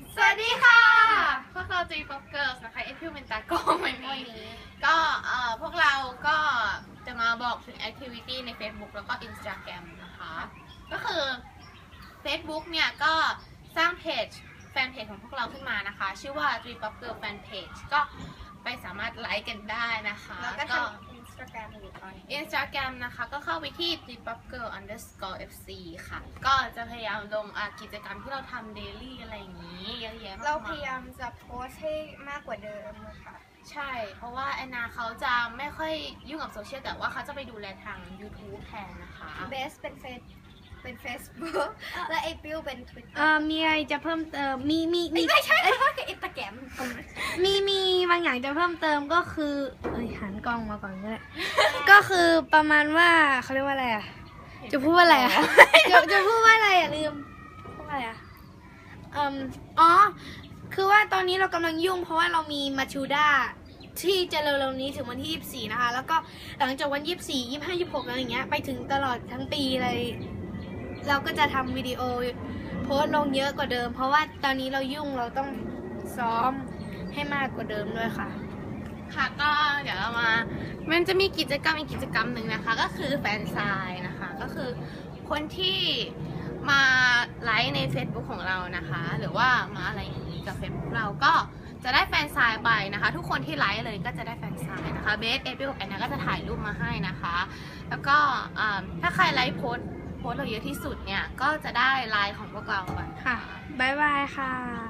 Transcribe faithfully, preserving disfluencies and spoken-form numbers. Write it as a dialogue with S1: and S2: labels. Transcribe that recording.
S1: สวัสดีค่ะพวกเรา Three Pop Girls นะคะเอพิวเป็นตากล้องวันนี้ก็เอ่อพวกเราก็จะมาบอกถึง activity ใน Facebook แล้วก็ Instagram นะคะก็คือ Facebook เนี่ยก็สร้างเพจแฟนเพจของพวกเราขึ้นมานะคะชื่อว่า Three Pop Girls Fan Page ก็ไปสามารถไลค์กันได้นะคะ
S2: แล้วก็ทำ Instagram อยู่ตอนนี้
S1: Instagram นะคะก็เข้าไปที่ three pop girl underscore fc ค่ะก็จะพยายามลงกิจกรรมที่เราทำ daily อะไรอย่างนี้เยอะแยะมากมาย
S2: เราพยายามจะโพสให้มากกว่าเดิมค่ะ
S1: ใช่เพราะว่าแอนนาเขาจะไม่ค่อยยุ่งกับโซเชียลแต่ว่าเขาจะไปดูแลทาง YouTube แทนนะคะ
S2: เบสเป็นเฟซเป็น Facebook และเอพิวเป็น Twitter
S3: เอ่อมีอะไรจะเพิ่มเติมมีมีมี
S2: ไม่ใช่ค่ะคืออินสตาแกรม
S3: มีมีบางอย่างจะเพิ่มเติมก็คือเอ้ยหันกล้องมาก่อนก็ได้ ก็คือประมาณว่าเขาเรียกว่าอะไรอ่ะจะพูดว่าอะไรอ่ะ จะจะพูดว่าอะไรอ่ะลืมพูดว่าอะไรอ่ะอืมอ๋อคือว่าตอนนี้เรากำลังยุ่งเพราะว่าเรามีมาชูด้าที่จะเร็วๆนี้ถึงวันที่ยี่สิบสี่นะคะแล้วก็หลังจากวันยี่สิบสี่ ยี่สิบห้า ยี่สิบหกอะไรอย่างเงี้ยไปถึงตลอดทั้งปีเลยเราก็จะทำวิดีโอโพสต์ลงเยอะกว่าเดิมเพราะว่าตอนนี้เรายุ่งเราต้องซ้อมให้มากกว่าเดิมด้วยค่ะ
S1: ค่ะก็เดี๋ยวเรามามันจะมีกิจกรรมอีกกิจกรรมหนึ่งนะคะก็คือแฟนไซน์นะคะก็คือคนที่มาไลค์ใน Facebook ของเรานะคะหรือว่ามาอะไรอย่างนี้กับ Facebook เราก็จะได้แฟนไซน์ไปนะคะทุกคนที่ไลค์เลยก็จะได้แฟนไซน์นะคะเบสเอพิลแอนนาก็จะถ่ายรูปมาให้นะคะแล้วก็ถ้าใครไลค์โพสต์โพสต์เราเยอะที่สุดเนี่ยก็จะได้ไลน์ของพวกเราไป
S3: ค่ะบ๊ายบายค่ะ